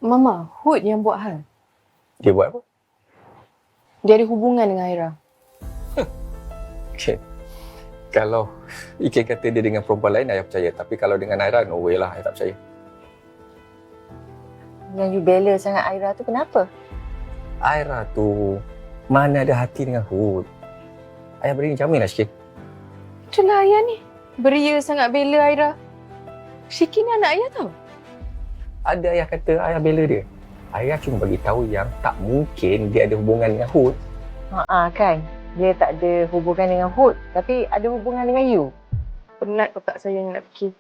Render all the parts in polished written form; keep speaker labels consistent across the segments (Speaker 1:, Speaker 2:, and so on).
Speaker 1: Mama, Hood yang buat hal.
Speaker 2: Dia buat apa?
Speaker 1: Dia ada hubungan dengan Aira.
Speaker 2: Okay. Kalau Ikin kata dia dengan perempuan lain, saya percaya. Tapi kalau dengan Aira, no way lah, saya tak percaya.
Speaker 3: Yang you bela sangat Aira tu kenapa?
Speaker 2: Aira tu mana ada hati dengan Hood. Ayah beri jamin lah sikit.
Speaker 1: Itulah ayah ni. Beria sangat bela Aira. Syiki ni anak ayah tau.
Speaker 2: Ada ayah kata ayah bela dia. Ayah cuma bagi tahu yang tak mungkin dia ada hubungan dengan Hood.
Speaker 3: Kan. Dia tak ada hubungan dengan Hood, tapi ada hubungan dengan you.
Speaker 1: Penat otak saya nak fikir.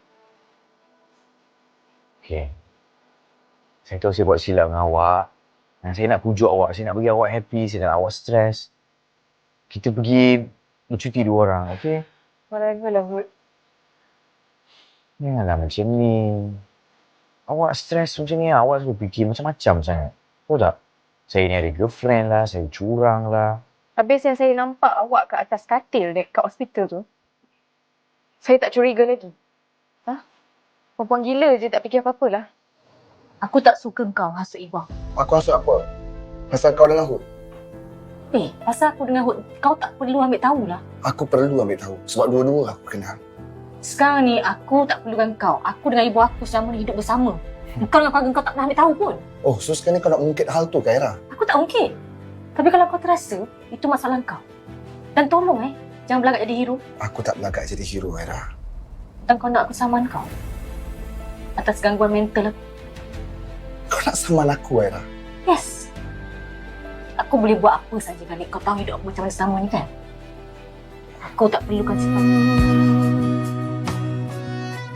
Speaker 4: Okay. Saya tahu saya buat silap dengan awak. Dan saya nak pujuk awak. Saya nak bagi awak happy. Saya nak awak stres. Kita pergi bercuti 2 orang, okay?
Speaker 1: Whatever lah, Hood.
Speaker 4: Janganlah macam ni. Awak stres macam ni, awak selalu fikir macam-macam sangat. Tahu tak? Saya ni ada girlfriend lah, saya curang lah.
Speaker 1: Habis yang saya nampak awak kat atas katil dekat hospital tu, saya tak curiga lagi. Perempuan gila je, tak fikir apa-apa lah.
Speaker 5: Aku tak suka kau hasut Iwang.
Speaker 6: Aku hasut apa? Pasal kau dengan Hood.
Speaker 5: Pasal aku dengan Hood, kau tak perlu ambil tahulah.
Speaker 6: Aku perlu ambil tahu. Sebab dua-dua aku kenal.
Speaker 5: Sekarang ni aku tak perlukan kau. Aku dengan ibu aku selama ni hidup bersama. Kau dengan keluarga kau tak pernah ambil tahu pun.
Speaker 6: Oh, so sekarang ni kau nak ungkit hal tu ke, Aira?
Speaker 5: Aku tak ungkit. Tapi kalau kau terasa, itu masalah kau. Dan tolong jangan belagak jadi hero.
Speaker 6: Aku tak belagak jadi hero, Aira.
Speaker 5: Dan kau nak aku saman kau. Atas gangguan mental aku.
Speaker 6: Kau nak saman aku, Aira?
Speaker 5: Yes. Aku boleh buat apa saja kali kau tahu hidup aku macam mana selama ni kan? Aku tak perlukan sifat.